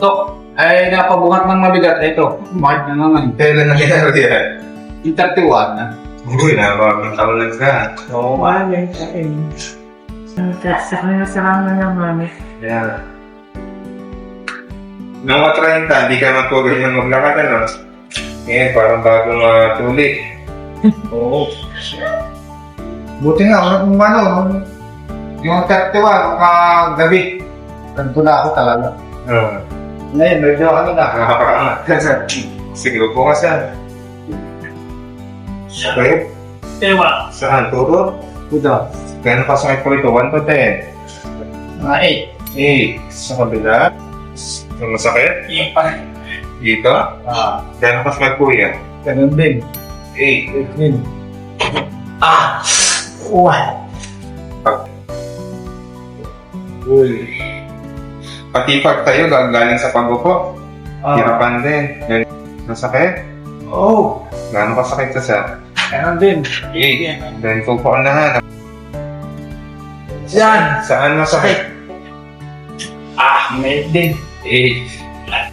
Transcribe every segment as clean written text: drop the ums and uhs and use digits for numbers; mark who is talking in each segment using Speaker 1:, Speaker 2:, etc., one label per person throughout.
Speaker 1: Dok, ay napabuhat ng mabigat. Ito, mark na naman.
Speaker 2: Kailan nangyari yan?
Speaker 1: Yung 31 na.
Speaker 2: Uy, nakakabang taon lang ka.
Speaker 1: Oo,
Speaker 3: Mami, kain. Sarang na naman.
Speaker 2: Yeah. Nung matrahin ka, hindi ka magpugay ng maglakad, ano? Ngayon, parang bagong tuli.
Speaker 1: Oo. Buti nga, yung yung 31, kagabi. Ganito na ako talaga.
Speaker 2: Oo.
Speaker 1: Ngayon, medyo ano na.
Speaker 2: Nakakaangat. Sige, upo ka saan? Okay?
Speaker 3: Ewa.
Speaker 2: Saan? Turo?
Speaker 1: Kuda.
Speaker 2: Gano'n kasakit po ito? 1 to 10?
Speaker 1: Mga
Speaker 2: 8. Sa kabila? Yung masakit?
Speaker 1: 8. Yung pa.
Speaker 2: Dito? Gano'n kasakit po yan?
Speaker 1: Ganun din.
Speaker 2: 8.
Speaker 1: 8 din. Uwan.
Speaker 2: Uy. Pati pag tayo, galing sa pag-upo. Hirapan din. Yan. Masakit?
Speaker 1: Oo.
Speaker 2: Gano'n kasakit ka sa?
Speaker 1: Ganun din.
Speaker 2: 8. Then, pupo ka na.
Speaker 1: Yan.
Speaker 2: Saan masakit?
Speaker 1: May din.
Speaker 2: 8.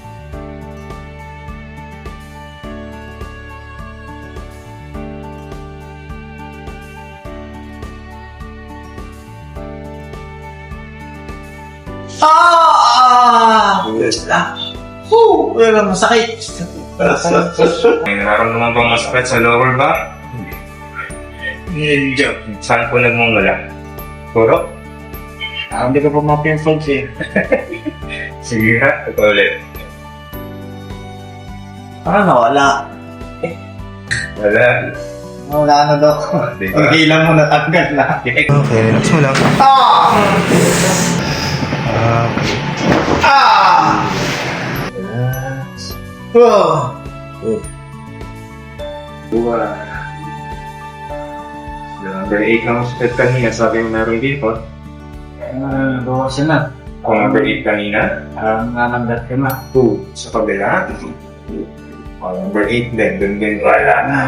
Speaker 1: Wala masakit.
Speaker 2: May nararamdaman bang masakit sa lower back?
Speaker 1: Medyo.
Speaker 2: Saan po nagmumula? Puro?
Speaker 1: Hindi ko pa ma-pinfold eh.
Speaker 2: Sige ha, ito ulit.
Speaker 1: Nawala.
Speaker 2: Wala.
Speaker 1: Wala na daw.
Speaker 2: Di ba?
Speaker 1: Ang hilang mo natanggal na.
Speaker 2: Okay, relax mo lang. Buwa. Number 8 lang sakit kanina, sabi mo meron dito.
Speaker 1: Bawasan na.
Speaker 2: Kung number 8 kanina,
Speaker 1: Parang nananggat ka na.
Speaker 2: 2 sa kabila. Number 8 din, dun din wala na.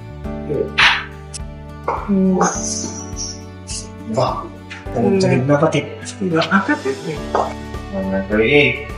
Speaker 1: Sakit na pati.
Speaker 2: Number 8.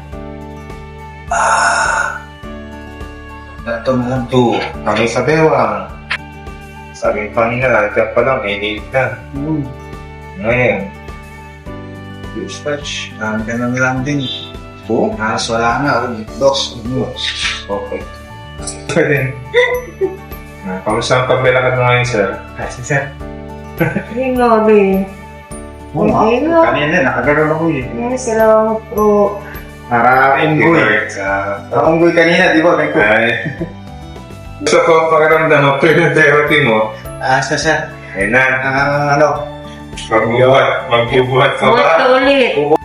Speaker 1: Ito mo.
Speaker 2: 2. Kami sa bewang. Sabi ko kanina, lalagyan pa lang, 8 na. Ngayon.
Speaker 1: Dispatch. Ganun lang din.
Speaker 2: Po?
Speaker 1: Wala na. Dos.
Speaker 2: Okay. Pwede. Kamusta ang pagbilakad mo ngayon, sir?
Speaker 1: Kasi sir.
Speaker 3: Yung gabi. Hindi na.
Speaker 1: Kanina, nakagano'n ako eh.
Speaker 3: Salamat po.
Speaker 1: Para unggoy. Unggoy kanina, di ba?
Speaker 2: Ay. Gusto ko pakiramdam mo, pinag-therapy mo.
Speaker 1: Sir.
Speaker 2: Ayun na.
Speaker 1: Ano?
Speaker 2: Magbubuhat ka ba?
Speaker 3: Buhat ulit.